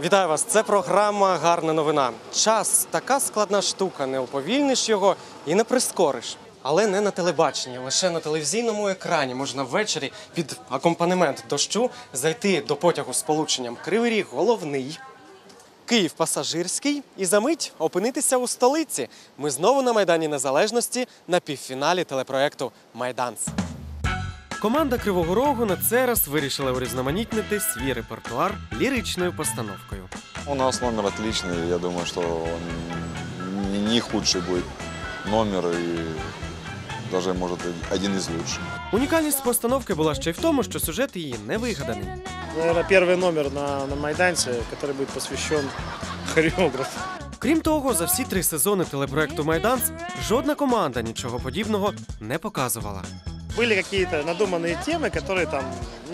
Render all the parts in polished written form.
Вітаю вас! Це програма «Гарна новина». Час – така складна штука, не уповільниш його і не прискориш. Але не на телебаченні, лише на телевізійному екрані можна ввечері під акомпанемент дощу зайти до потягу з полученням Кривий Ріг – головний, Київ – пасажирський і за мить опинитися у столиці. Ми знову на Майдані Незалежності на півфіналі телепроекту «Майданс». Команда Кривого Рогу на цей раз вирішила урізноманітнити свій репертуар ліричною постановкою. У нас номер отличный, я думаю, что он не худший будет номер и даже, может, один из лучших. Унікальність постановки була ще й в тому, що сюжет її не вигаданий. Наверное, первый номер на Майданце, который будет посвящен хореографу. Крім того, за всі 3 сезони телепроекту «Майданс» жодна команда нічого подібного не показувала. Были какие-то надуманные темы, которые там,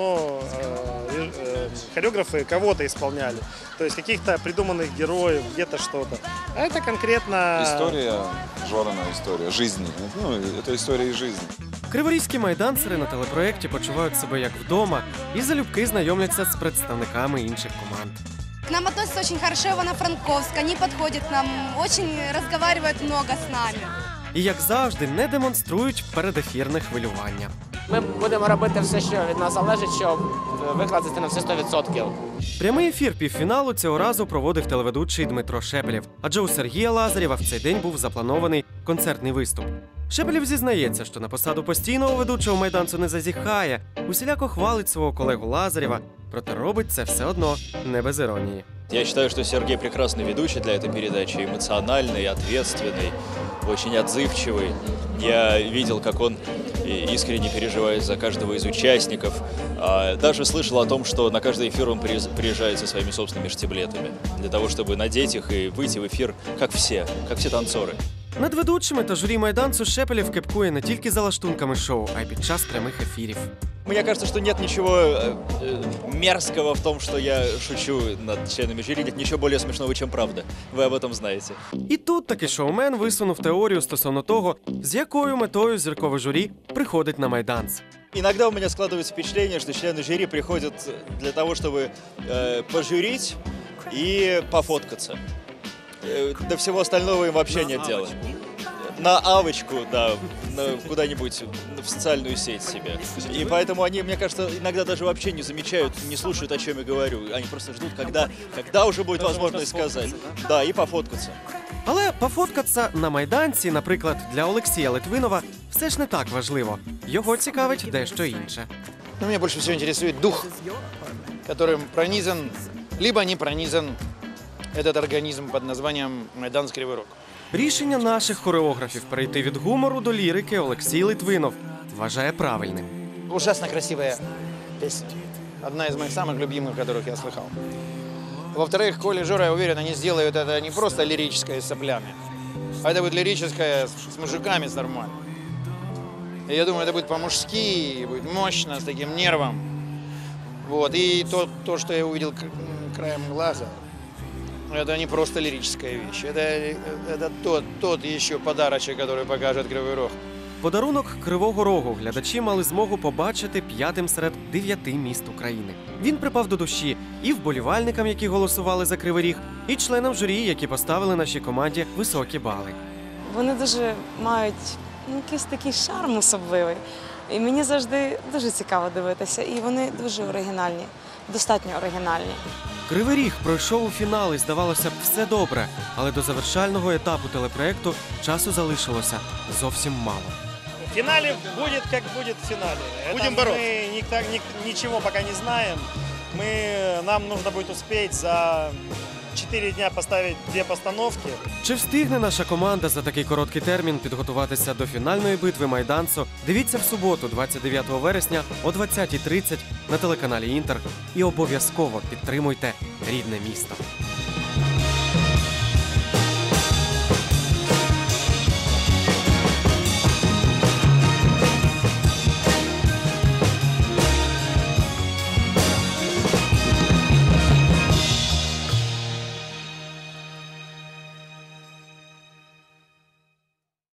хореографы кого-то исполняли. То есть каких-то придуманных героев, где-то что-то. А это конкретно... История, жорная история жизни. Ну, это история из жизни. Криворізькі майдансери на телепроекті почувають себе як вдома і залюбки знайомляться з представниками інших команд. К нам относятся очень хорошо, Ивано-Франковск, они подходят к нам, очень разговаривают много с нами. І, як завжди, не демонструють передефірне хвилювання. Ми будемо робити все, що від нас залежить, щоб викласти на все 100%. Прямий ефір півфіналу цього разу проводив телеведучий Дмитро Шепелєв, адже у Сергія Лазарєва в цей день був запланований концертний виступ. Шепелєв зізнається, що на посаду постійного ведучого «Майданцу» не зазіхає, усіляко хвалить свого колегу Лазарєва, проте робить це все одно не без іронії. Я считаю, что Сергей прекрасный ведущий для этой передачи, эмоциональный, ответственный, очень отзывчивый. Я видел, как он искренне переживает за каждого из участников. Даже слышал о том, что на каждый эфир он приезжает со своими собственными штиблетами, для того, чтобы надеть их и выйти в эфир, как все танцоры. Над ведучими та журі «Майданцу» Шепелєв кепкує не тільки за лаштунками шоу, а й під час прямих ефірів. Мне кажется, что нет ничего мерзкого в том, что я шучу над членами жюри. Нет ничего более смешного, чем правда. Вы об этом знаете. І тут таки шоумен висунув теорію стосовно того, з якою метою зіркове журі приходить на «Майданс». Иногда у меня складывается впечатление, что члены жюри приходят для того, чтобы пожурить и пофоткаться. До всего остального им вообще нет дела. На авочку, да, куда-нибудь в социальную сеть себе. И поэтому они, мне кажется, иногда даже вообще не замечают, не слушают, о чем я говорю. Они просто ждут, когда уже будет возможность сказать. Да, и пофоткаться. Але пофоткатися на «Майданці», наприклад, для Олексія Литвинова, все ж не так важливо. Його цікавить дещо інше. Меня больше всего интересует дух, которым пронизан, либо не пронизан этот организм под названием «Майданс Кривий Рог». Рішення наших хореографів перейти від гумору до лірики Олексій Литвинов вважає правильним. Ужасно красивая песня. Одна из моих самых любимых, которых я слыхал. Во-вторых, Коля и Жора, я уверен, они сделают это не просто лирическое с соплями, а это будет лирическое с мужиками, с нормально. И я думаю, это будет по-мужски, будет мощно, с таким нервом. Вот. И то, что я увидел краем глаза, это не просто лирическая вещь. Это тот еще подарочек, который покажет Кривий Рог. Подарунок Кривого Рогу глядачі мали змогу побачити 5-м серед 9 міст України. Він припав до душі і вболівальникам, які голосували за Кривий Ріг, і членам журі, які поставили нашій команді високі бали. Вони дуже мають якийсь такий шарм особливий. І мені завжди дуже цікаво дивитися. І вони дуже оригінальні, достатньо оригінальні. Кривий Ріг пройшов у фінал і, здавалося б, все добре. Але до завершального етапу телепроекту часу залишилося зовсім мало. В финале будет, как будет в финале. Будем бороться. Мы ничего пока не знаем. Нам нужно будет успеть за 4 дня поставить 2 постановки. Чи встигне наша команда за такий короткий термін підготуватися до фінальної битви «Майданцу»? Дивіться в суботу, 29 вересня о 20:30 на телеканалі «Інтер». І обов'язково підтримуйте рідне місто.